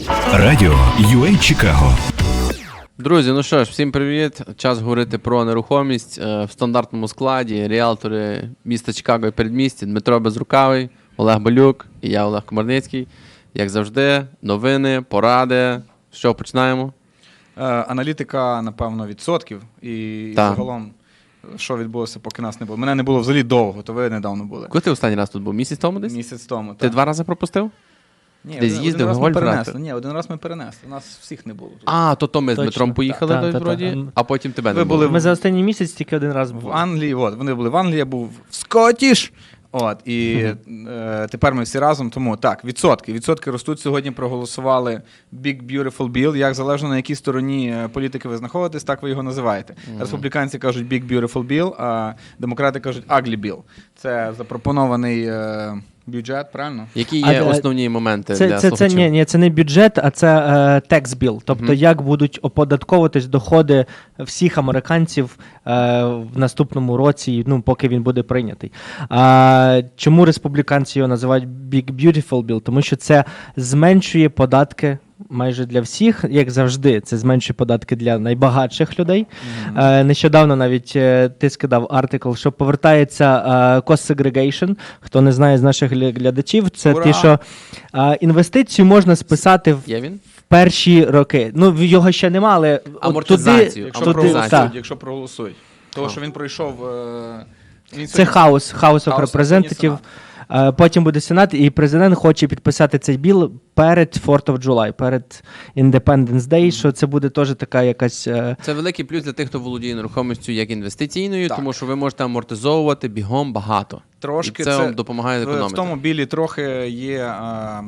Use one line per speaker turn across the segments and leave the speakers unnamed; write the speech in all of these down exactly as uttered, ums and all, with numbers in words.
Радіо ю ей Чикаго.
Друзі, ну що ж, всім привіт. Час говорити про нерухомість в стандартному складі. Ріелтори міста Чикаго і передмісті Дмитро Безрукавий, Олег Балюк і я, Олег Комарницький. Як завжди, новини, поради. Що, починаємо?
Е, аналітика, напевно, відсотків. І, і загалом, що відбулося, поки нас не було. Мене не було взагалі довго, то ви недавно були.
Коли ти останній раз тут був? Місяць тому десь?
Місяць тому,
Ти
так.
два рази пропустив?
Ні,
Десь
один,
їздив,
один раз ми
гольф
перенесли.
грати?
Ні, один раз ми перенесли. У нас всіх не було тут.
А, то то ми з
Точно.
Дмитром поїхали,
Та,
десь
та, та,
вроді,
та.
а потім тебе
Ви
не
були
було.
в-
Ми за останній місяць тільки один раз
В
були.
Англії, от, вони були в Англії, я був в Скотіш. От, і е, тепер ми всі разом, тому так, відсотки. Відсотки ростуть. Сьогодні проголосували Big Beautiful Bill. Як залежно на якій стороні е, політики ви знаходитесь, так ви його називаєте.
Мгм.
Республіканці кажуть Big Beautiful Bill, а демократи кажуть Ugly Bill. Це запропонований е, бюджет, правильно?
Які є
А, а,
основні моменти
Це,
для
це, це,
слухачів?
ні, ні, це не бюджет, а це е, tax bill. Тобто,
Мгм.
як будуть оподатковуватись доходи всіх американців е, в наступному році, ну, поки він буде прийнятий. А, чому республіканці його називають Big Beautiful Bill? Тому що це зменшує податки майже для всіх, як завжди, це зменшує податки для найбагатших людей. Е, нещодавно навіть е, ти скидав артикл, що повертається е, cost segregation. Хто не знає з наших гля- глядачів, це
Ура!
ті, що е, інвестицію можна списати в
Є він?
перші роки. Ну, в- його ще нема, але от
Амортизацію.
туди,
Якщо
туди,
проголосують,
так.
якщо проголосують. Того, що він пройшов... Е, він
Це хаус, House of
House,
Representative.
Сенат.
Е, Потім буде Сенат, і президент хоче підписати цей біл перед fourth of July, перед Independence Day, що це буде теж така якась... е,
Це великий плюс для тих, хто володіє нерухомістю як інвестиційною,
Так.
тому що ви можете амортизовувати бігом багато.
Трошки
І це,
це
вам допомагає
В, в
економити.
тому білі трохи є е,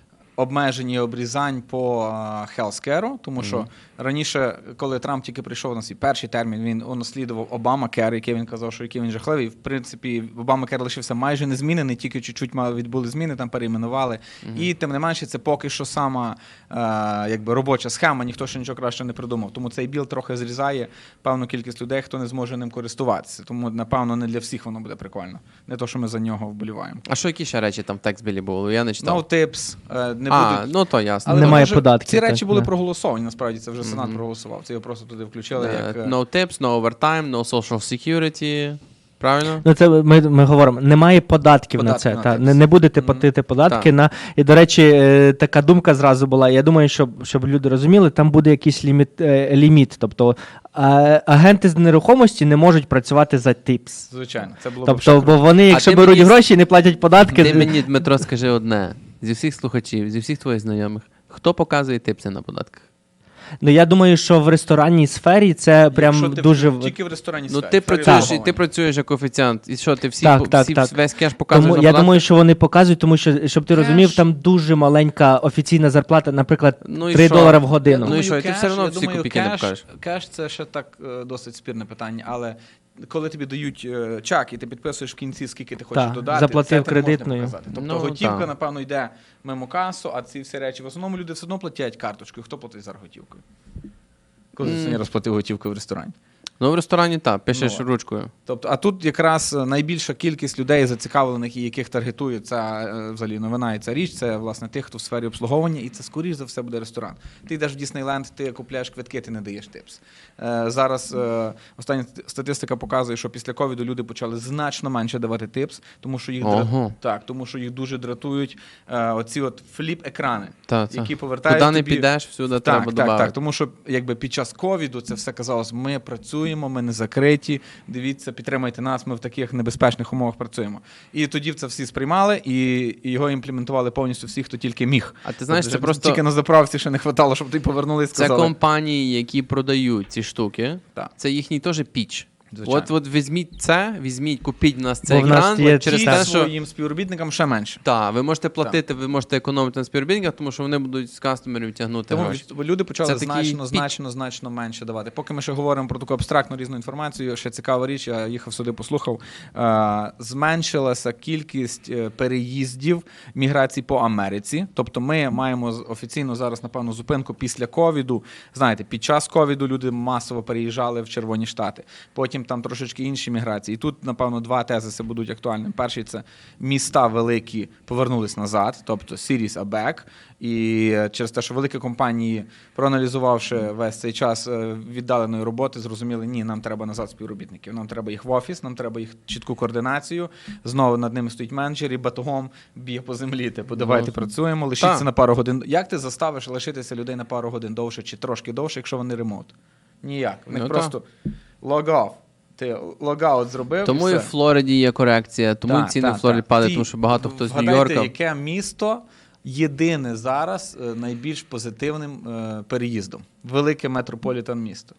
обмежені обрізань по е, healthcare, тому що раніше, коли Трамп тільки прийшов на свій перший термін, він унаслідував Обамакер, який він казав, що який він жахливий. В принципі, Обамакер лишився майже незмінений, тільки чуть-чуть мали відбули зміни, там перейменували. І тим не менше, це поки що сама е, якби робоча схема, ніхто ще нічого краще не придумав. Тому цей біл трохи зрізає певну кількість людей, хто не зможе ним користуватися. Тому, напевно, не для всіх воно буде прикольно. Не то, що ми за нього вболіваємо.
А що які ще речі там в текстбілі були? Я не читав.
No tips, е, не
а,
будуть.
ну то ясно.
Але
Немає
може,
податків,
Ці речі
так,
були
да.
проголосовані, насправді, це вже Сенат
Мгм.
проголосував. Це його просто туди включили.
Е,
Як, е,
No tips, no overtime, no social security. Правильно?
Ну, це ми, ми говоримо, немає податків
Податки
на це.
на
Та,
це
не,
все.
не будете
Мгм.
платити податки
Так.
на. І, до речі, е, така думка зразу була. Я думаю, щоб, щоб люди розуміли, там буде якийсь ліміт. е, ліміт. Тобто е, агенти з нерухомості не можуть працювати за типс.
Звичайно, це було б
Тобто,
ще
бо вони, якщо
ти
беруть
мені-
гроші і не платять податки.
Ти мені, Дмитро, скажи одне. Зі всіх слухачів, зі всіх твоїх знайомих, хто показує типси на податках?
Ну я думаю, що в ресторанній сфері це прям
Якщо ти
дуже.
в- тільки в ресторані
Ну
сфері,
ти
сфері
працюєш, і
обслуговування.
ти працюєш як офіціант. І що, ти всі,
Так,
по-
так,
всі
так.
весь кеш показуєш
Тому
на
я
податках?
думаю, що вони показують, тому що щоб ти
Кеш.
розумів, там дуже маленька офіційна зарплата, наприклад,
Ну і
три
що?
долари в годину.
Ну і що, і ти
кеш,
все одно
я
всі
думаю,
копійки не
кеш,
покажеш.
Кеш це ще так е, досить спірне питання, але коли тобі дають е, чак і ти підписуєш в кінці, скільки ти хочеш
Так,
додати,
заплатив
це ти можна
кредитною.
показати. Тобто
Ну,
готівка,
так.
напевно, йде мимо касу, а ці всі речі в основному люди все одно платять карточкою. Хто платить зараз готівкою? Коли ти
М.
сьогодні розплатив готівкою в ресторані?
Ну в ресторані так, пишеш
Ну,
ручкою.
Тобто, а тут якраз е, найбільша кількість людей зацікавлених і яких таргетує ця е, взагалі новина і ця річ, це власне тих, хто в сфері обслуговування, і це скоріш за все буде ресторан. Ти йдеш в Діснейленд, ти купляєш квитки, ти не даєш типс. Е, зараз е, остання статистика показує, що після ковіду люди почали значно менше давати типс, тому що їх дра-
Ого.
так, тому що їх дуже дратують е, оці от фліп-екрани,
Та, це.
які повертають
Куди не
тобі...
підеш, всюди
Так,
треба
так,
додати.
так, тому що якби під час ковіду це все казалось, ми працюємо, ми не закриті, дивіться, підтримайте нас, ми в таких небезпечних умовах працюємо. І тоді це всі сприймали, і, і його імплементували повністю всі, хто тільки міг.
А ти знаєш,
Тобто,
це просто
Тільки на заправці ще не хватало, щоб ти повернули і
це
сказали.
компанії, які продають ці штуки.
Так.
Це їхній теж піч.
Звичайно.
От, от візьміть це, візьміть, купіть в нас
Бо
цей
в нас
екран,
є
от через
Ті
те, що
своїм співробітникам ще менше.
так, ви можете платити, ви можете економити на співробітниках, тому що вони будуть з кастомерів тягнути
Тому
гроші.
від- люди почали
Це такий
значно,
пік.
значно, значно менше давати. Поки ми ще говоримо про таку абстрактну різну інформацію, ще цікава річ, я їхав сюди, послухав. Е, зменшилася кількість е, переїздів міграції по Америці. Тобто ми маємо з- офіційно зараз, напевно, зупинку після ковіду. Знаєте, під час ковіду люди масово переїжджали в Червоні Штати. Потім потім там трошечки інші міграції. І тут, напевно, два тезиси будуть актуальними. Перший – це міста великі повернулись назад, тобто cities are back. І через те, що великі компанії, проаналізувавши весь цей час віддаленої роботи, зрозуміли, ні, нам треба назад співробітників, нам треба їх в офіс, нам треба їх чітку координацію, знову над ними стоїть менеджер і батогом б'є по землі, типу, давайте працюємо, лишіться
Так.
на пару годин. Як ти заставиш лишитися людей на пару годин довше чи трошки довше, якщо вони ремонт? Ніяк. У них
Ну,
просто log-off. Ти логаут зробив.
Тому
і
і
все.
в Флориді є корекція, тому
Так,
і ціни
так,
в Флориді
так.
падають,
Ті-
тому що багато хто з
вгадайте,
Нью-Йорка.
яке місто єдине зараз е, найбільш позитивним е, переїздом? Велике метрополітен місто,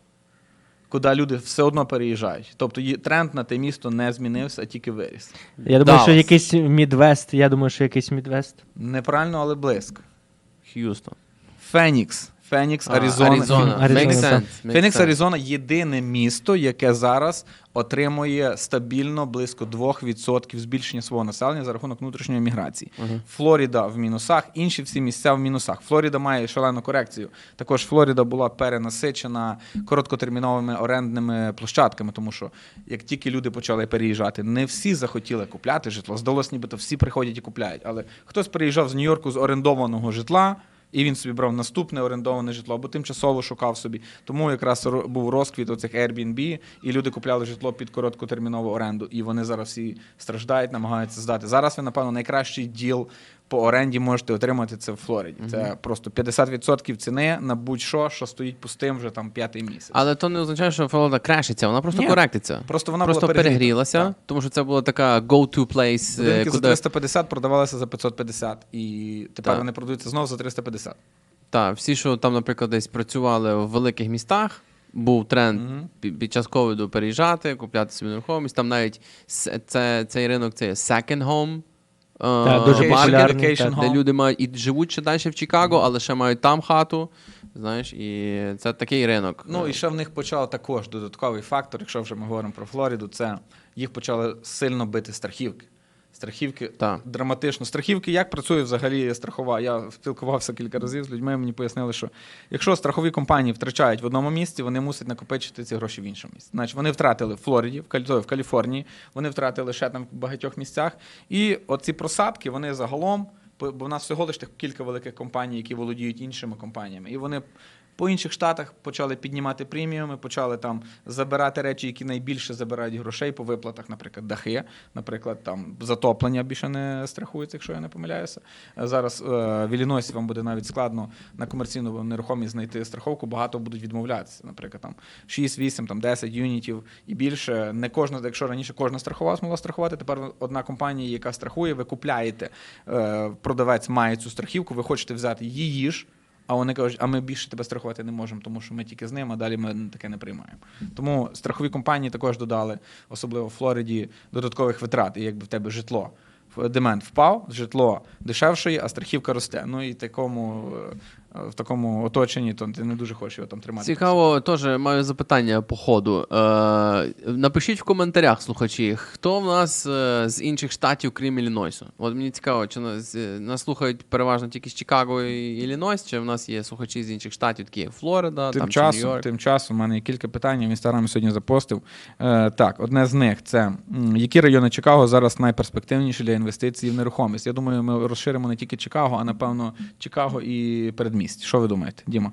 куди люди все одно переїжджають. Тобто є- тренд на те місто не змінився, а тільки виріс.
Я думаю, що
Даллас.
якийсь Мідвест, я думаю, що якийсь Мідвест.
Неправильно, але близько.
Х'юстон.
Фенікс. Фенікс,
А,
Аризона.
Аризона.
Аризона,
Make
так.
sense. Make
Фенікс,
sense.
Аризона – єдине місто, яке зараз отримує стабільно близько два відсотки збільшення свого населення за рахунок внутрішньої міграції.
Ага.
Флоріда в мінусах, інші всі місця в мінусах. Флоріда має шалену корекцію. Також Флоріда була перенасичена короткотерміновими орендними площадками, тому що як тільки люди почали переїжджати, не всі захотіли купляти житло. Здалося, нібито всі приходять і купляють. Але хтось переїжджав з Нью-Йорку з орендованого житла, і він собі брав наступне орендоване житло, або тимчасово шукав собі. Тому якраз ро- був розквіт оцих Airbnb, і люди купляли житло під короткотермінову оренду. І вони зараз всі страждають, намагаються здати. Зараз ви, напевно, найкращий діл по оренді можете отримати це в Флориді. Це просто п'ятдесят відсотків ціни на будь-що, що стоїть пустим вже там п'ятий місяць.
Але то не означає, що Флорида крашиться, вона просто
Ні.
коректиться.
Просто вона
просто
була перегріта.
перегрілася,
Так.
тому що це була така go-to place, е,
Будинки за
куди...
триста п'ятдесят продавалися за п'ятсот п'ятдесят, і тепер
Так.
вони продаються знову за триста п'ятдесят.
Так, всі, що там, наприклад, десь працювали в великих містах, був тренд
Мгм.
пі- під час ковіду переїжджати, купляти собі нерухомість. Там навіть с- це, цей ринок це є second home. е,
Так, дуже
Vacation-
популярний,
vacation
так.
де
home.
люди мають і живуть ще далі в Чикаго, але ще мають там хату. Знаєш, і це такий ринок.
Ну і ще в них почав також додатковий фактор, якщо вже ми говоримо про Флориду, це їх почали сильно бити страхівки. Страхівки
Так.
драматично. Страхівки, як працює взагалі страхова? Я спілкувався кілька разів з людьми, мені пояснили, що якщо страхові компанії втрачають в одному місці, вони мусять накопичити ці гроші в іншому місці. Значить, вони втратили в Флориді, в Калі- в Каліфорнії, вони втратили ще там в багатьох місцях. І оці просадки, вони загалом, бо в нас всього лише кілька великих компаній, які володіють іншими компаніями. І вони по інших штатах почали піднімати преміуми, почали там забирати речі, які найбільше забирають грошей по виплатах, наприклад, дахи, наприклад, там затоплення більше не страхується, якщо я не помиляюся. Зараз е, в Іллінойсі вам буде навіть складно на комерційну нерухомість знайти страховку, багато будуть відмовлятися. Наприклад, там шість, вісім, там десять юнітів і більше. Не кожна, якщо раніше кожна страхова змогла страхувати, тепер одна компанія, яка страхує, ви купляєте, е, продавець має цю страхівку, ви хочете взяти її ж. А вони кажуть, а ми більше тебе страхувати не можемо, тому що ми тільки з ним, а далі ми таке не приймаємо. Тому страхові компанії також додали, особливо в Флориді, додаткових витрат. І якби в тебе житло, демент впав, житло дешевшає, а страхівка росте. Ну і такому, в такому оточенні то ти не дуже хочеш його там тримати.
Цікаво, теж маю запитання по ходу. Е, напишіть в коментарях, слухачі, хто в нас е, з інших штатів, крім Іллінойсу? От мені цікаво, чи нас, е, нас слухають переважно тільки з Чикаго і Іллінойс, чи в нас є слухачі з інших штатів, такі як Флорида,
Тим
там, чи
часом,
Нью-Йорк?
тим часом, у мене є кілька питань, я в інстаграмі сьогодні запостив. Е, так, одне з них це, м, які райони Чикаго зараз найперспективніші для інвестицій в нерухомість? Я думаю, ми розширимо не тільки Чикаго, а напевно Чикаго і передмість. Що ви думаєте, Діма?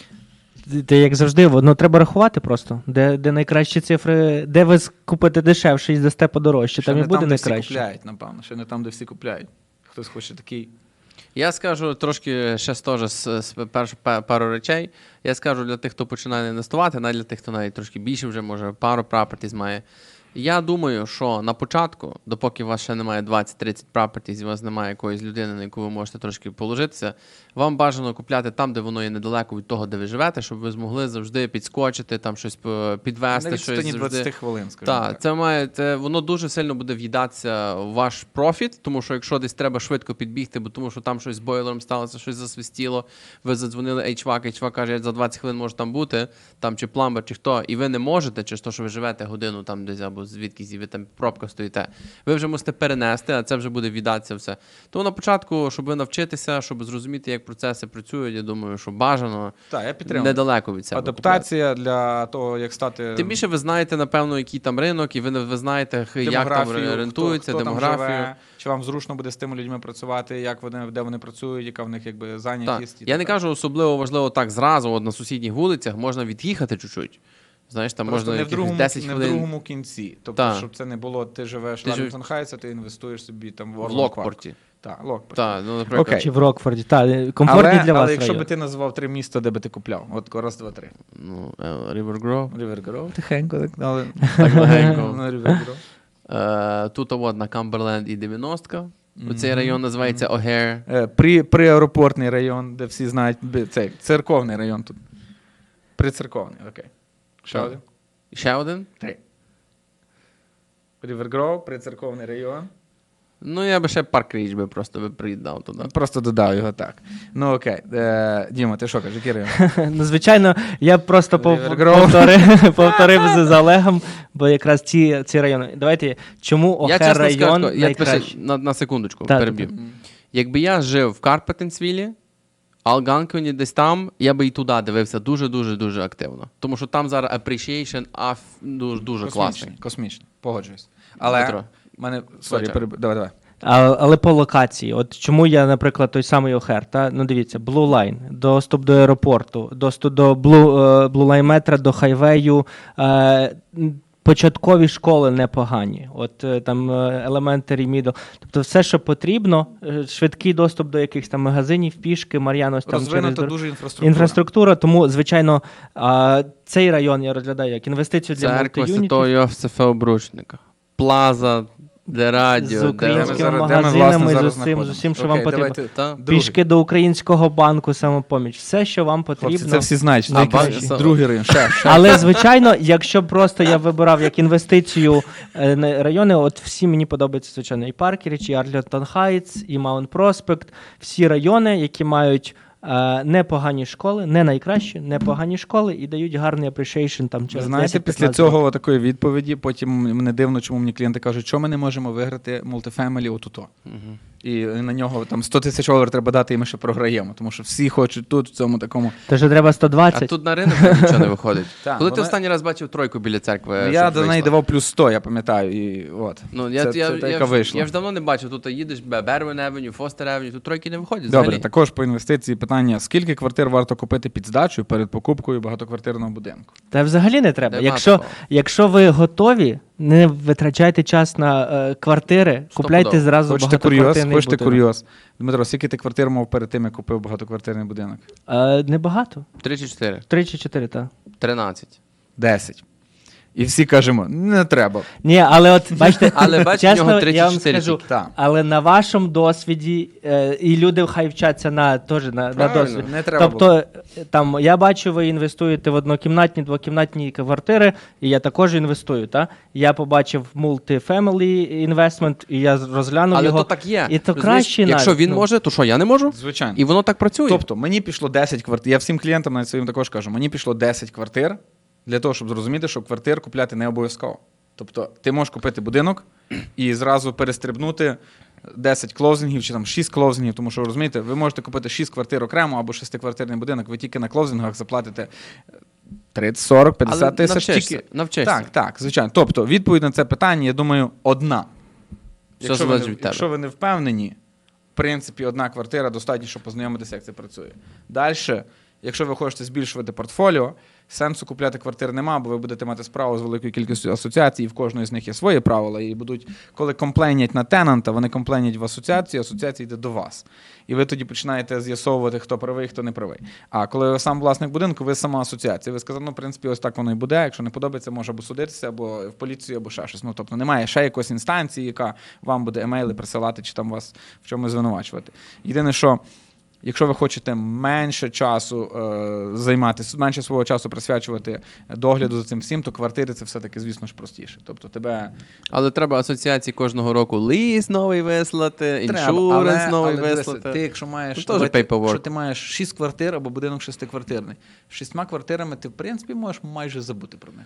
Та як завжди, ну треба рахувати просто, де, де найкращі цифри, де ви купите дешевше і здасте подорожче, там і
не
буде
там, де всі
найкраще.
купляють, напевно. Ще не там, де всі купляють. Хтось хоче такий.
Я скажу трошки ще теж з, з перш, пе- пару речей. Я скажу для тих, хто починає інвестувати, навіть для тих, хто навіть трошки більше вже, може, пару properties має. Я думаю, що на початку, допоки у вас ще немає двадцять-тридцять properties, і у вас немає якоїсь людини, на яку ви можете трошки положитися, вам бажано купляти там, де воно є недалеко від того, де ви живете, щоб ви змогли завжди підскочити, там щось по- підвести.
На
щось
відстані
завжди.
двадцять хвилин, скажімо
Так,
так.
це має, це, воно дуже сильно буде в'їдатися в ваш профіт, тому що якщо десь треба швидко підбігти, бо тому що там щось з бойлером сталося, щось засвистіло, ви задзвонили ейч вак, ейч вак каже, я за двадцять хвилин можу там бути, там чи пламбер, чи хто, і ви не можете, через те, що ви живете годину там десь або або звідки ви там пробка стоїте. Ви вже мусите перенести, а це вже буде віддатися все. Тому на початку, щоб ви навчитися, щоб зрозуміти, як процеси працюють, я думаю, що бажано
Так, я підтримую.
недалеко від себе.
Адаптація для того, як стати...
Тим більше ви знаєте, напевно, який там ринок, і ви, ви знаєте, х- як там орієнтуються,
хто, хто
демографію.
Там живе, чи вам зручно буде з тими людьми працювати, як вони, де вони працюють, яка в них якби
Так.
зайнятість. і
Я не
так.
кажу особливо важливо так зразу, от на сусідніх вулицях можна від'їхати чуть-чуть. Знаєш, там
Просто
можна
не в,
якихось
другому,
десять
не в
хвилин
другому кінці. Тобто,
Так.
щоб це не було, ти живеш в
Ти жив-
Ларінгтон Хайтс, а ти інвестуєш собі там в
в
Орланд Парк.
Локпорті.
Так, Локпорт.
Так, ну, наприклад.
Окей.
Чи в Рокфорді. Так, комфортні
Але,
для вас
але якщо
район.
би ти назвав три міста, де би ти купляв? От раз, два, три.
Ну, е, River Grove.
River Grove, тихенько, так, але...
Так легенько.
Ну, River Grove.
Е, Тут от на Камберленд і дев'яностка. Оцей район називається O'Hare.
Е, При, приаеропортний район, де всі знають, би- цей церковний район тут. Прицерковний, окей. Ще
Так.
один.
І ще один.
Три. River Grove, прицерковний район.
Ну, я би ще Парк Річ би просто би приїдав туди.
Просто додав його так. Ну окей. Е, Діма, ти що кажеш, який район?
Ну, звичайно, я просто пов-
River Grove.
повторив, повторив з з Олегом, бо якраз ці, ці райони. Давайте, чому
Я
Охер
чесно
район
скажу, я тебе ще
найкращий?
на, на секундочку
Так,
переб'ю.
так,
Якби я жив в Карпатенсвілі, Алганконі десь там, я би і туди дивився дуже-дуже-дуже активно. Тому що там зараз appreciation аф, дуже, дуже класний.
Космічний, космічний. Погоджуюсь. Але
Дмитро.
в мене... Сорі,
Давай.
переб... давай, давай.
А, але по локації. От чому я, наприклад, той самий Охер, та? Ну дивіться, Blue Line, доступ до аеропорту, доступ до Blue, е, Blue Line метра, до хайвею, е, м, початкові школи непогані. От е, там елементарі, мідл. Тобто все, що потрібно, е, швидкий доступ до якихось там магазинів, пішки, Мар'яnos там через
Розвинута
дор-
дуже інфраструктура.
інфраструктура. Тому, звичайно, а, цей район я розглядаю як інвестицію для
Церква
мультиюнітів.
Святого Йосифа Обручника. Плаза, де радіо,
З
де...
українськими
Де ми зараз- де ми,
магазинами,
власне,
з
зараз
усім, з
знаходимося.
усім, що
Окей,
вам потрібно.
давайте.
Та?
Другий.
Пішки до українського банку, самопоміч. Все, що вам потрібно.
Хлопці, це всі знають. що
А,
найкращий.
ба-
Другий район. Ще, ще.
Але, звичайно, якщо просто я вибирав як інвестицію е, на райони, от всі мені подобаються, звичайно, і Паркеріч, і Арлінгтон Хайтс, і Маунт Проспект. Всі райони, які мають е, непогані школи, не найкращі, непогані школи і дають гарний appreciation там
Ви
через
знаєте,
десять
після
п'ятнадцять
цього такої відповіді, потім мене дивно, чому мені клієнти кажуть, що ми не можемо виграти мультифемелі отуто.
Мгм.
І на нього там сто тисяч доларів треба дати, і ми ще програємо. Тому що всі хочуть тут, в цьому такому.
Тож треба сто
А
двадцять.
тут на ринок нічого не виходить.
Так,
Коли ти
вона-
останній раз бачив тройку біля церкви?
я
Е, щоб
до неї
вийшла?
давав плюс сто, я пам'ятаю. І от.
Ну, я,
це,
я,
це та,
я,
яка
ж-
вийшла.
я ж давно не бачив, тут їдеш Бервен Евеню, Фостер Евеню, тут тройки не виходять
Добре,
взагалі.
також по інвестиції питання: скільки квартир варто купити під здачу перед покупкою багатоквартирного будинку?
Та взагалі не треба.
Нема
Якщо,
такого.
якщо ви готові, не витрачайте час на е, квартири, купляйте
Стопудово.
зразу
Хочете курйоз?
багатоквартирний
Хочете
будинок.
курйоз? Дмитро, скільки ти квартир мав перед тим, як купив багатоквартирний будинок?
Е, небагато.
Три чи чотири?
Три чи чотири, так.
Тринадцять.
Десять. І всі кажемо, не треба.
Ні, але от бачите,
Але бачите, в
чесно,
нього
я
тридцять
вам
чотири
скажу,
тільки.
Так.
але на вашому досвіді, е, і люди хай вчаться на, теж на, на
Правильно,
досвід.
не треба
Тобто, е, там, я бачу, ви інвестуєте в однокімнатні, двокімнатні квартири, і я також інвестую. Та? Я побачив multi-family investment, і я розглянув
Але
його.
то так є.
І то
Розумієш?
краще
Якщо
навіть,
він
ну.
може, то що, я не можу?
Звичайно.
І воно так працює.
Тобто, мені пішло десять квартир. Я всім клієнтам навіть своїм також кажу, мені пішло десять квартир для того, щоб зрозуміти, що квартир купляти не обов'язково. Тобто, ти можеш купити будинок і зразу перестрибнути десять клоузингів чи там шість клоузингів, тому що, розумієте, ви можете купити шість квартир окремо або шестиквартирний будинок, ви тільки на клоузингах заплатите тридцять, сорок, п'ятдесят
Але
тисяч.
навчишся,
Тільки...
навчишся.
Так, так, звичайно. Тобто, відповідь на це питання, я думаю, одна.
Все
Якщо ви,
залежить
не,
від тебе.
якщо ви не впевнені, в принципі, одна квартира достатньо, щоб познайомитися, як це працює. Далі, якщо ви хочете збільшувати портфоліо, сенсу купляти квартир нема, бо ви будете мати справу з великою кількістю асоціацій, і в кожної з них є свої правила. І будуть, коли комплейнять на тенанта, вони комплейнять в асоціацію, асоціація йде до вас. І ви тоді починаєте з'ясовувати, хто правий, хто не правий. А коли ви сам власник будинку, ви сама асоціація. Ви сказали, ну, в принципі, ось так воно і буде. Якщо не подобається, може або судитися, або в поліцію, або ще щось. Ну, тобто немає ще якоїсь інстанції, яка вам буде емейли присилати, чи там вас в чомусь звинувачувати. Єдине, що якщо ви хочете менше часу е, займатися, менше свого часу присвячувати догляду за цим всім, то квартири це все-таки, звісно ж, простіше. Тобто тебе
Але треба асоціації кожного року ліс новий вислати,
треба,
іншуренс
але,
новий
але дивися,
вислати.
ти, якщо маєш,
Ну, теж
давайте,
paperwork.
якщо ти маєш шість квартир або будинок шестиквартирний, з шістьма квартирами ти, в принципі, можеш майже забути про них.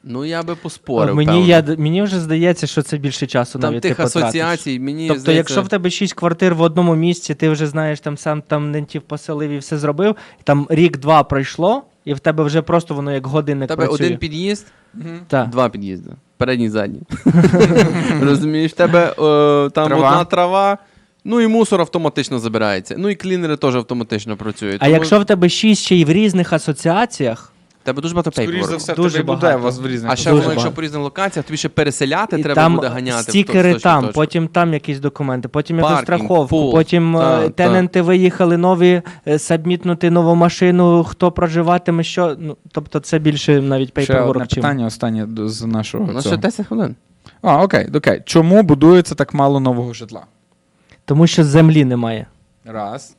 Ну, я би поспорив,
Мені,
певно.
я, мені вже здається, що це більше часу
Там
навіть
тих
ти потратиш.
асоціацій, мені
Тобто,
здається...
якщо в тебе шість квартир в одному місці, ти вже знаєш, там сам там нентів поселив і все зробив, там рік-два пройшло, і в тебе вже просто воно як годинник
в тебе
працює.
один під'їзд,
Так.
два під'їзди. Передній, задній. Розумієш, в тебе е, там
Трава.
одна трава, ну і мусор автоматично забирається. Ну і клінери теж автоматично працюють.
А
Тому
якщо в тебе шість ще й в різних асоціаціях,
в тебе дуже багато
Скоріше за
пейперворку.
все,
Дуже
тобі буде
багато.
у вас в різних
А ще
Дуже
воно, якщо
багато.
по різних локаціях, тобі ще переселяти
і
треба
там
буде ганяти. в
стікери
точку,
там,
точку.
потім там якісь документи, потім якусь
Паркінг,
страховку,
пул.
потім
Та,
е,
та.
тененти виїхали нові, е, сабмітнути нову машину, хто проживатиме, що. Ну, тобто це більше навіть
Ще одне
пейперворк, чим.
питання останнє до- з нашого
У нас
цього.
ще десять хвилин.
А, окей, окей. Чому будується так мало нового житла?
Тому що землі немає.
Раз.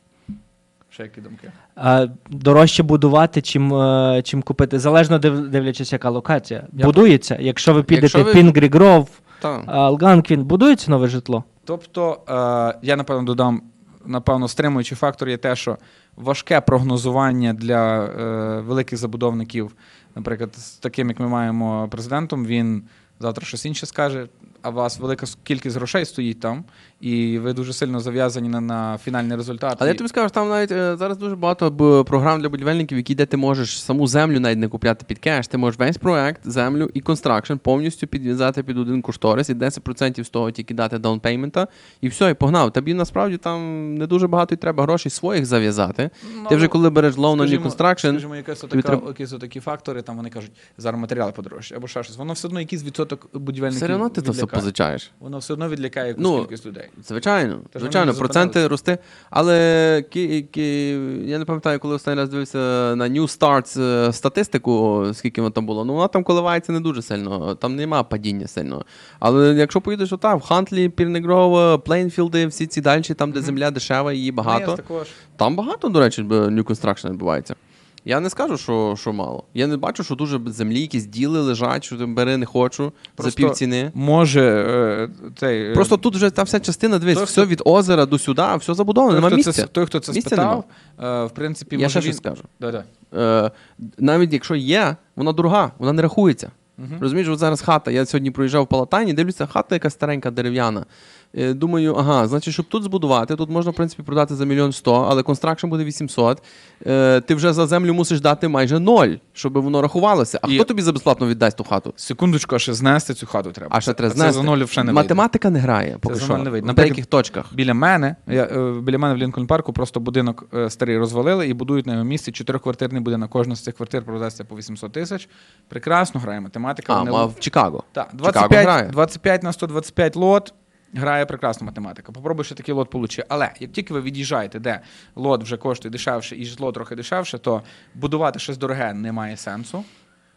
Ще які думки?
А дорожче будувати, чим, е, чим купити. Залежно див, дивлячись, яка локація.
Я-
Будується. Якщо ви підете
Якщо
в
ви-
Пінгрі Гров,
Так.
Алганквін, будується нове житло?
Тобто, е, я напевно додам, напевно, стримуючий фактор є те, що важке прогнозування для е, великих забудовників, наприклад, з таким, як ми маємо президентом, він завтра щось інше скаже, а у вас велика с- кількість грошей стоїть там, і ви дуже сильно зав'язані на, на фінальний результат.
Але
І-
я тобі скажу, що там навіть е, зараз дуже багато б, програм для будівельників, які де ти можеш саму землю навіть не купляти під кеш. Ти можеш весь проект, землю і констракшн повністю підв'язати під один кошторис і десять відсотків з того тільки дати даунпеймента, і все, і погнав. Тобі насправді там не дуже багато й треба грошей своїх зав'язати.
Ну,
Ти вже коли береш loan на new
скажімо-
construction,
Скажімо, якась
тобі
отака,
треба-
якісь отакі фактори, там вони кажуть, зараз матеріали подорожчі, або ще щось. Воно все одно якийсь відсоток будівельників
все одно ти це все
відлякає.
позичаєш.
Воно все одно відлякає якусь
Ну,
кількість людей.
Звичайно,
Тож
звичайно,
вони
проценти
зупинилися.
рости. Але ки, ки, я не пам'ятаю, коли останній раз дивився на New Starts е, статистику, скільки воно там було. Ну, вона там коливається не дуже сильно, там нема падіння сильного. Але якщо поїдеш отак, в Хантлі, Пірнегров, Плейнфілди, всі ці далі, там, де земля дешева, її багато.
Ну, також.
Там багато, до речі, б- New Construction відбувається. Я не скажу, що, що мало. Я не бачу, що дуже землі, якісь діли лежать, що там бери не хочу
Просто
за півціни.
Може, е, цей, е,
Просто тут вже та вся частина, дивись,
той,
все
хто-
від озера до сюди, все забудовано,
той,
нема
хто
місця.
це, той, хто це
Місця
спитав, е, в принципі,
Я
може
ще
він...
щось скажу.
Да-да.
Е, навіть якщо є, вона дорога, вона не рахується. Розумієш, от зараз хата. Я сьогодні проїжджав в Палатані, дивлюся, хата якась старенька, дерев'яна. Е, думаю, ага, значить, щоб тут збудувати, тут можна, в принципі, продати за мільйон сто, але констракшн буде вісімсот. Е, ти вже за землю мусиш дати майже ноль, щоб воно рахувалося. А
І-
хто тобі за безплатно віддасть ту хату?
Секундочку, а ще знести цю хату треба.
А ще треба
Це
знести.
за ноль вже не вийде.
Математика не грає, поки
за
що,
ноль не вийде.
в
Наприклад,
деяких точках.
Біля мене, я, е, біля мене в Лінкольн парку просто будинок е, старий розвалили і будують на його місці чотириквартирний будинок. Кожна з цих квартир продасться по вісімсот тисяч. Прекрасно грає математика.
А,
вони-
а в Чикаго.
Так,
Чикаго
двадцять
грає.
п'ять, двадцять п'ять на сто двадцять п'ять лот. Грає прекрасна математика. Попробуй ще такий лот получи. Але як тільки ви від'їжджаєте, де лот вже коштує дешевше і житло трохи дешевше, то будувати щось дороге не має сенсу.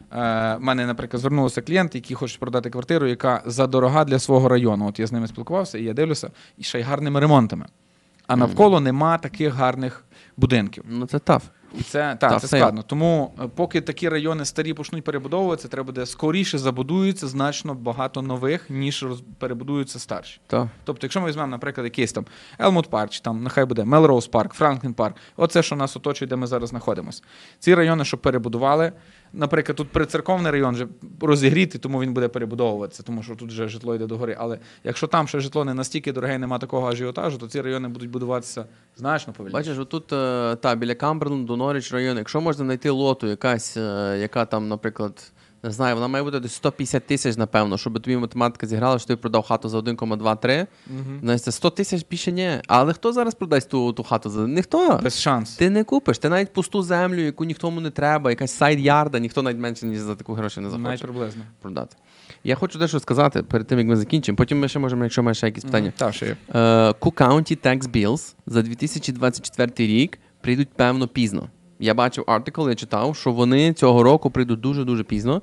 Е, в мене, наприклад, звернулися клієнти, які хочуть продати квартиру, яка задорога для свого району. От я з ними спілкувався, і я дивлюся, і ще й гарними ремонтами. А навколо нема таких гарних будинків.
Ну це таф.
І це,
Так,
та, це
все.
складно. Тому е, поки такі райони старі почнуть перебудовуватися, треба буде скоріше забудуються значно багато нових, ніж роз... перебудуються старші.
Та.
Тобто, якщо ми візьмемо, наприклад, якийсь там Елмут Парк, чи там нехай буде Мелроуз Парк, Франклін Парк, оце, що нас оточує, де ми зараз знаходимося. Ці райони, щоб перебудували, наприклад, тут прицерковний район вже розігрітий, тому він буде перебудовуватися, тому що тут вже житло йде догори. Але якщо там ще житло не настільки дороге і нема такого ажіотажу, то ці райони будуть будуватися значно повільніше.
Бачиш, отут е, та, біля Камберленду, Норріч району, якщо можна знайти лоту якась, е, яка там, наприклад, не знаю, вона має бути десь сто п'ятдесят тисяч, напевно, щоб тобі математика зіграла, що ти продав хату за один кома два три.
Мгм.
Знаєш, це сто тисяч більше ні. Але хто зараз продасть ту, ту хату за ніхто?
Без шансу.
Ти не купиш. Ти навіть пусту землю, яку ніхто не треба, якась сайд-ярда, ніхто навіть менше, ніж за таку гроші не захоче
Навіть приблизно.
продати. Я хочу дещо сказати перед тим, як ми закінчимо. Потім ми ще можемо, якщо маєш ще якісь питання.
Так, ще є.
Е, Cook County Tax Bills за дві тисячі двадцять четвертий рік прийдуть певно пізно. Я бачив артикл, я читав, що вони цього року прийдуть дуже-дуже пізно.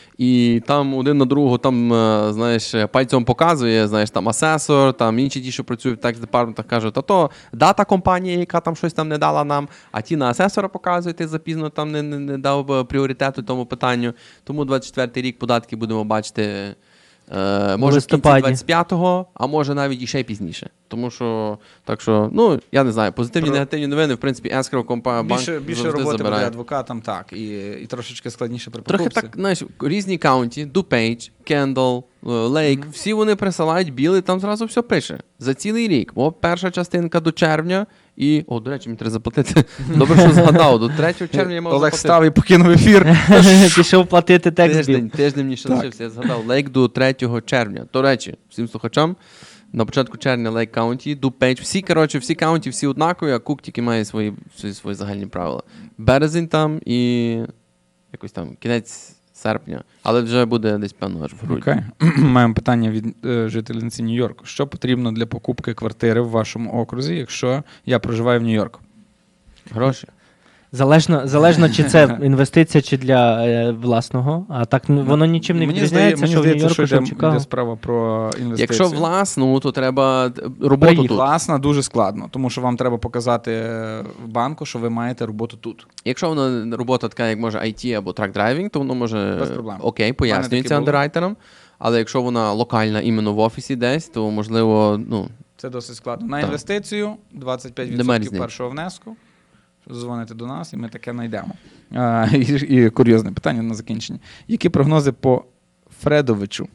І там один на другого там, е, знаєш, пальцем показує, знаєш, там асесор, там інші ті, що працюють в tax департаментах, кажуть, та то дата компанія, яка там щось там не дала нам, а ті на асесора показують, ти запізно там не, не, не дав е, пріоритету тому питанню. Тому двадцять четвертий рік податки будемо бачити Е, може в кінці
листопаді.
двадцять п'ятого, а може навіть і ще пізніше. Тому що, так що, ну, я не знаю, позитивні,
Про-
негативні новини, в принципі, escrow компанія, банк
Більше, більше
завжди
роботи буде
забирає.
адвокатам, так, і, і трошечки складніше при
Трохи
покупці.
так, знаєш, різні каунті, DuPage, Kendall, Lake,
Мгм.
всі вони присилають білий, там зразу все пише. За цілий рік. О, перша частинка до червня і, о, до речі, мені треба заплатити. Добре, що згадав, до третього червня я мав
Олег
заплатити.
став і покинув ефір.
Пішов платити текст біл.
Тиждень, тиждень мені ще
Так.
лишився, я згадав. Лейк до третього червня. До речі, всім слухачам, на початку червня Лейк Каунті, DuPage, всі, коротше, всі каунті, всі однакові, а Кук тільки має свої, свої, свої загальні правила. Березень там і якось там кінець серпня, але вже буде десь, певно, аж в грудні.
Окей. Маємо питання від е, жительниці Нью-Йорку. Що потрібно для покупки квартири в вашому окрузі, якщо я проживаю в Нью-Йорку?
Гроші.
Залежно, залежно, чи це інвестиція, чи для е, власного. А так ну, воно нічим не
Мені
відрізняється,
здає-
що в
мені здається,
Нью-Йорку, що в
йде,
Чикаго.
йде справа про інвестиції.
Якщо власну, то треба роботу
Приїхати.
тут.
Власна дуже складно, тому що вам треба показати е, в банку, що ви маєте роботу тут.
Якщо вона робота така, як може ай ті або трак-драйвінг, то воно може
Без проблем.
окей,
таке
пояснюється
було.
андеррайтерам. Але якщо вона локальна іменно в офісі десь, то можливо, ну,
Це досить складно. На
Так.
інвестицію двадцять п'ять
Нема
відсотків
різниці.
першого внеску. Дзвоните до нас, і ми таке знайдемо. А, і, і курйозне питання на закінчення. Які прогнози по Фредовичу?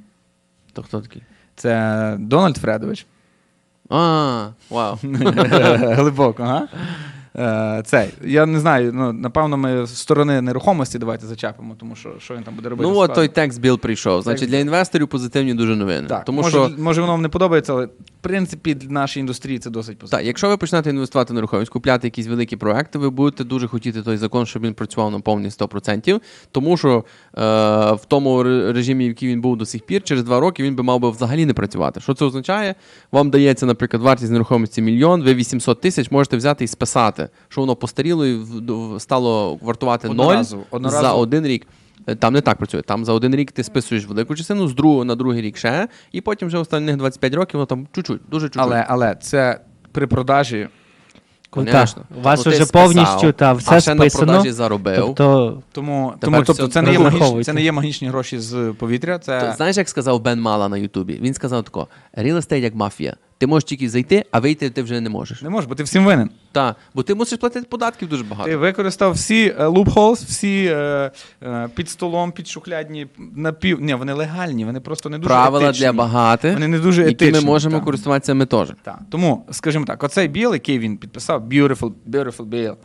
то хто такий?
Це Дональд Фредович.
А, вау.
Глибоко, ага. Е, Цей. Я не знаю, ну, напевно, ми з сторони нерухомості давайте зачепимо, тому що що він там буде робити.
Ну от
складно.
той текст біл прийшов. Значить, для інвесторів позитивні дуже новини.
Так,
Тому
може,
що
може воно вам не подобається, але в принципі для нашої індустрії це досить позитивно.
так, якщо ви почнете інвестувати в нерухомість, купляти якісь великі проекти, ви будете дуже хотіти той закон, щоб він працював на повні сто відсотків, тому що е, в тому ре- режимі, в який він був до сих пір, через два роки він би мав би взагалі не працювати. Що це означає? Вам дається, наприклад, вартість нерухомості мільйон, ви вісімсот тисяч можете взяти і списати, що воно постаріло і в- в- стало вартувати ноль
Одноразово,
за
одноразово.
один рік. Е, Там не так працює. Там за один рік ти списуєш велику частину, з другого на другий рік ще, і потім вже останніх двадцять п'ять років, воно там чуть-чуть, дуже чуть-чуть.
Але, але це при продажі.
Ну,
Конечно.
так, у вас
Ну, ти
вже
списав,
повністю та, все
а ще
списано.
на продажі заробив.
Тобто,
Тому,
Тепер
тому тобто,
все
це, не є магічні,
розраховуйте.
це не є магічні гроші з повітря. Це...
То, знаєш, як сказав Бен Мала на Ютубі? Він сказав тако: real estate як мафія. Ти можеш тільки зайти, а вийти ти вже не можеш.
Не можеш, бо ти всім винен.
Так, бо ти мусиш платити податків дуже багато.
Ти використав всі е, loopholes, всі е, е, під столом, під шухлядні, напів... Ні, вони легальні, вони просто не дуже
Правила
етичні.
для багатих,
Вони не дуже
які
етичні.
ми можемо
так.
користуватися ми теж.
Так. Тому, скажімо так, оцей біл, який він підписав, beautiful, beautiful bill.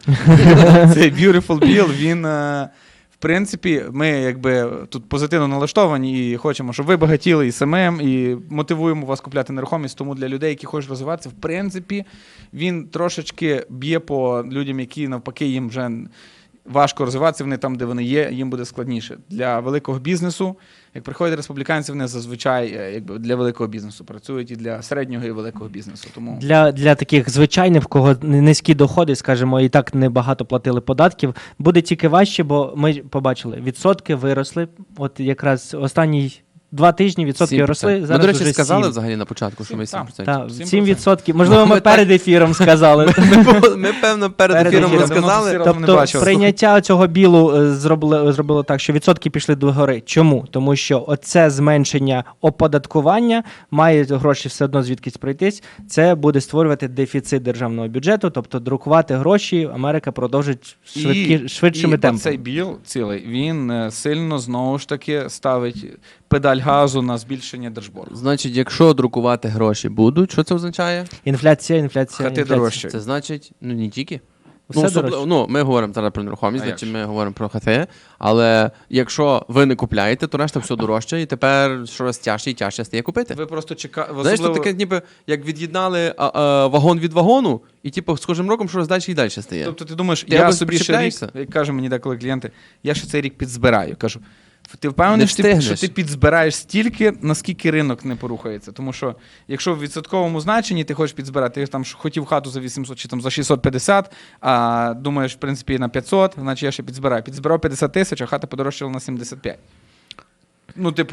Цей beautiful bill, він, е, в принципі, ми якби тут позитивно налаштовані і хочемо, щоб ви багатіли і самим, і мотивуємо вас купляти нерухомість. Тому для людей, які хочуть розвиватися, в принципі, він трошечки б'є по людям, які навпаки їм вже важко розвиватися, вони там, де вони є, їм буде складніше. Для великого бізнесу, як приходять республіканці, вони зазвичай е, якби, для великого бізнесу працюють і для середнього і великого бізнесу. Тому
для, для таких звичайних, в кого низькі доходи, скажімо, і так небагато платили податків, буде тільки важче, бо ми побачили, відсотки виросли. От якраз останні два тижні відсотки
сім
росли,
відсотків.
зараз
Ми, до речі,
вже
сказали
сім.
взагалі на початку, що ми
Сім,
сім
так.
відсотків.
Так,
сім
сім
процентів.
відсотків. Можливо, ми
Ми так-
перед ефіром сказали.
Ми, ми, певно, перед
Перед
ефіром
ефіром.
розказали.
Давно не
Тобто
бачив.
прийняття цього білу е, зробило, зробило так, що відсотки пішли до гори. Чому? Тому що оце зменшення оподаткування має гроші все одно звідкись пройтись. Це буде створювати дефіцит державного бюджету, тобто друкувати гроші Америка продовжить швидкі, швидшими
і
темпами.
цей біл цілий, він е, сильно, знову ж таки, ставить педаль газу на збільшення держборгу.
Значить, якщо друкувати гроші будуть, що це означає?
Інфляція, інфляція,
Хати
інфляція.
дорожчі.
Це значить, ну не тільки.
Все
Ну, особливо,
дорожче.
ну, ми говоримо зараз про нерухомість,
А як
значить
же?
ми говоримо про хати, але якщо ви не купляєте, то решта все дорожче, і тепер щораз тяжче і тяжче стає купити.
Ви просто чекаєте.
Знаєш, це таке, ніби як від'єднали а, а, вагон від вагону, і типу з кожним роком щораз далі і далі стає.
Тобто ти думаєш,
Ти
я
або
собі ще рік,
причіпляєшся?
як кажуть мені деколи клієнти, я ще цей рік підзбираю. Кажу, ти впевнений,
Не
що ти, що
встигнеш.
ти підзбираєш стільки, наскільки ринок не порухається. Тому що якщо в відсотковому значенні ти хочеш підзбирати, ти там ж хотів хату за вісімсот чи там за шістсот п'ятдесят, а думаєш, в принципі, на п'ятсот, значить я ще підзбираю. Підзбирав п'ятдесят тисяч, а хата подорожчала на сімдесят п'ять. Ну, типу,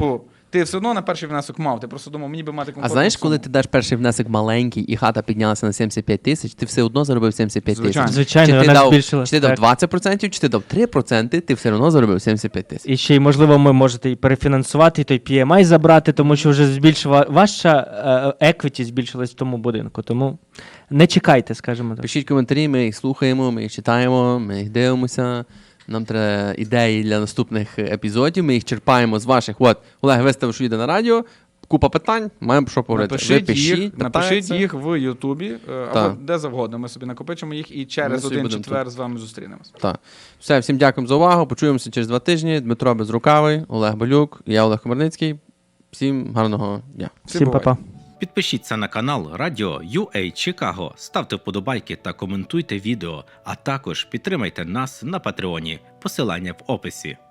ти все одно на перший внесок мав, ти просто думав, мені би мати
А
комфортну
знаєш, коли
суму.
ти даш перший внесок маленький і хата піднялася на сімдесят п'ять тисяч, ти все одно заробив сімдесят п'ять
Звичайно.
тисяч.
Звичайно,
чи ти
вона
дав,
збільшилась,
чи ти дав
так.
двадцять відсотків, чи ти дав три відсотки, ти все одно заробив сімдесят п'ять тисяч.
І ще й, можливо, ми можете і перефінансувати, і той пі ем ай забрати, тому що вже збільшила ваша еквіті збільшилась в тому будинку. Тому не чекайте, скажімо так.
Пишіть коментарі, ми їх слухаємо, ми їх читаємо, ми їх дивимося. Нам треба ідеї для наступних епізодів. Ми їх черпаємо з ваших. От, Олег виставив, що йде на радіо. Купа питань, маємо про що поговорити. Ви
Напишіть,
пишіть,
їх,
питайте.
напишіть їх в Ютубі е,
Так.
або де завгодно. Ми собі накопичимо їх і через
собі
один
будемо
четвер з вами зустрінемось.
Так. Все, всім дякуємо за увагу. Почуємося через два тижні. Дмитро Безрукавий, Олег Балюк, я Олег Комарницький. Всім гарного дня.
Всі
Всім
бувайте.
па-па.
Підпишіться на канал Радіо ю ей Чикаго, ставте вподобайки та коментуйте відео, а також підтримайте нас на Патреоні. Посилання в описі.